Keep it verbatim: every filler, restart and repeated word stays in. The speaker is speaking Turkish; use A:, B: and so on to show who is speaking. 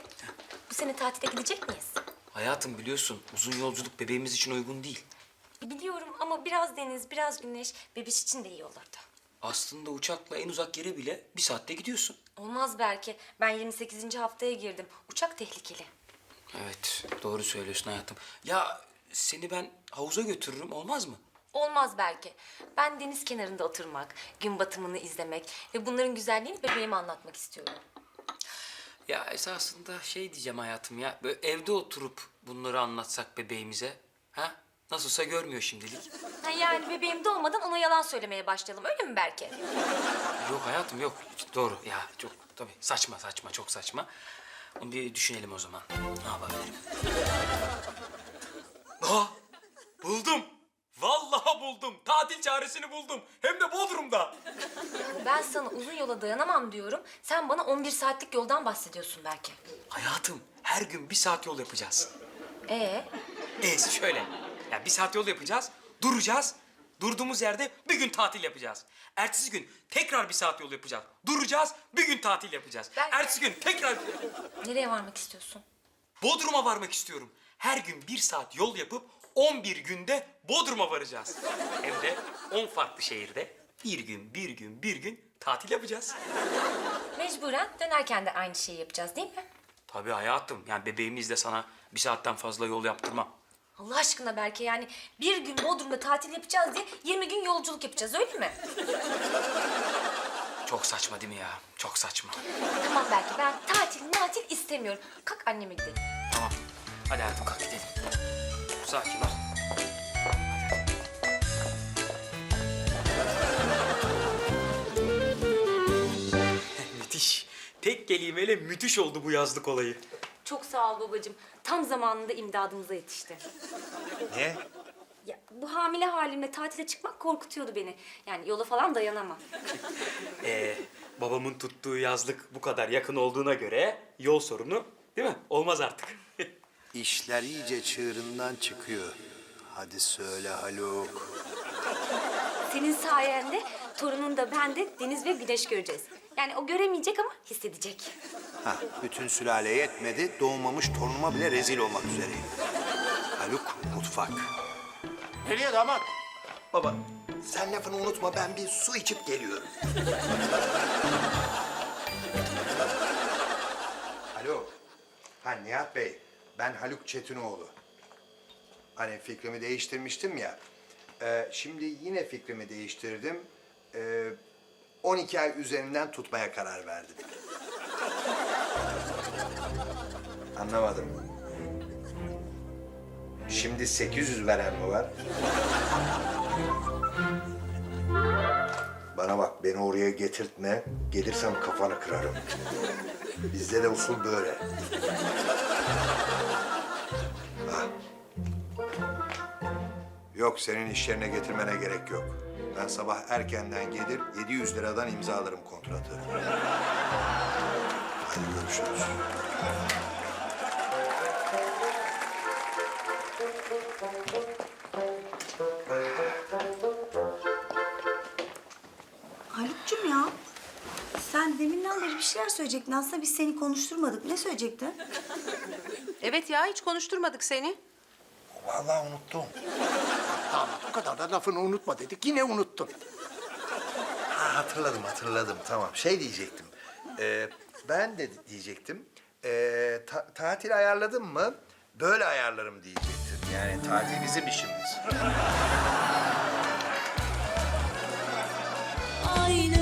A: Anne, bu sene tatile gidecek miyiz?
B: Hayatım biliyorsun uzun yolculuk bebeğimiz için uygun değil.
A: Biliyorum ama biraz deniz, biraz güneş bebiş için de iyi olurdu.
B: Aslında uçakla en uzak yere bile bir saatte gidiyorsun.
A: Olmaz belki. Ben yirmi sekizinci haftaya girdim. Uçak tehlikeli.
B: Evet doğru söylüyorsun hayatım. Ya seni ben havuza götürürüm olmaz mı?
A: Olmaz belki. Ben deniz kenarında oturmak, gün batımını izlemek ve bunların güzelliğini bebeğime anlatmak istiyorum.
B: Ya esasında şey diyeceğim hayatım ya. Böyle evde oturup bunları anlatsak bebeğimize. Ha? Nasılsa görmüyor şimdilik.
A: Ha yani bebeğim doğmadan ona yalan söylemeye başlayalım. Öyle mi belki?
B: Yok hayatım yok. Doğru ya çok tabii saçma saçma çok saçma. Onu bir düşünelim o zaman. Ne yapabilirim? Aa, buldum. Vallahi buldum. Tatil çaresini buldum. Hem de Bodrum'da.
A: Ben sana uzun yola dayanamam diyorum. Sen bana on bir saatlik yoldan bahsediyorsun belki.
B: Hayatım her gün bir saat yol yapacağız.
A: Ee,
B: Ee şöyle. Ya bir saat yol yapacağız. Duracağız. Durduğumuz yerde bir gün tatil yapacağız. Ertesi gün tekrar bir saat yol yapacağız. Duracağız. Bir gün tatil yapacağız.
A: Ben-
B: Ertesi gün tekrar...
A: nereye varmak istiyorsun?
B: Bodrum'a varmak istiyorum. Her gün bir saat yol yapıp on bir günde Bodrum'a varacağız. Hem de on farklı şehirde bir gün, bir gün, bir gün tatil yapacağız.
A: Mecburen dönerken de aynı şeyi yapacağız değil mi?
B: Tabii hayatım. Yani bebeğimizle sana bir saatten fazla yol yaptırmam.
A: Allah aşkına belki yani bir gün Bodrum'da tatil yapacağız diye yirmi gün yolculuk yapacağız öyle mi?
B: Çok saçma değil mi ya? Çok saçma.
A: Tamam belki ben tatil matil istemiyorum. Kalk anneme gidelim.
B: Tamam. Hadi hayatım kalk gidelim. Sakin ol. Müthiş. Tek kelimeyle müthiş oldu bu yazlık olayı.
A: Çok sağ ol babacığım. Tam zamanında imdadımıza yetişti.
C: Ne?
A: Ya bu hamile halimle tatile çıkmak korkutuyordu beni. Yani yola falan dayanamam.
B: Ee, babamın tuttuğu yazlık bu kadar yakın olduğuna göre yol sorunu değil mi? Olmaz artık.
C: İşler iyice çığırından çıkıyor. Hadi söyle Haluk.
A: Senin sayende torunun da ben de deniz ve güneş göreceğiz. Yani o göremeyecek ama hissedecek.
C: Ha, bütün sülale yetmedi, doğmamış torunuma bile rezil olmak üzereyim. Haluk, mutfak.
D: Nereye damat?
C: Baba, sen lafını unutma, ben bir su içip geliyorum. Alo, ha Nihat Bey, ben Haluk Çetinoğlu. Hani fikrimi değiştirmiştim ya. Ee, şimdi yine fikrimi değiştirdim. Ee, on iki ay üzerinden tutmaya karar verdim. Anlamadım. Şimdi sekiz yüz veren mi var? Bana bak, beni oraya getirtme. Gelirsem kafanı kırarım. Bizde de usul böyle. Ha. Yok, senin iş yerine getirmene gerek yok. Ben sabah erkenden gelir, yedi yüz liradan imzalarım kontratı. Hadi görüşürüz.
E: Haluk'cum ya, sen deminden beri bir şeyler söyleyecektin. Aslında biz seni konuşturmadık. Ne söyleyecektin?
F: Evet ya, hiç konuşturmadık seni.
D: Vallahi unuttum. Damat o kadar da lafını unutma dedik. Yine unuttun.
C: Ha, hatırladım, hatırladım. Tamam, şey diyecektim. Ee, ben de diyecektim. Ee, ta- tatil ayarladın mı? Böyle ayarlarım diyecektim. Yani tatil bizim işimiz.
G: Aynı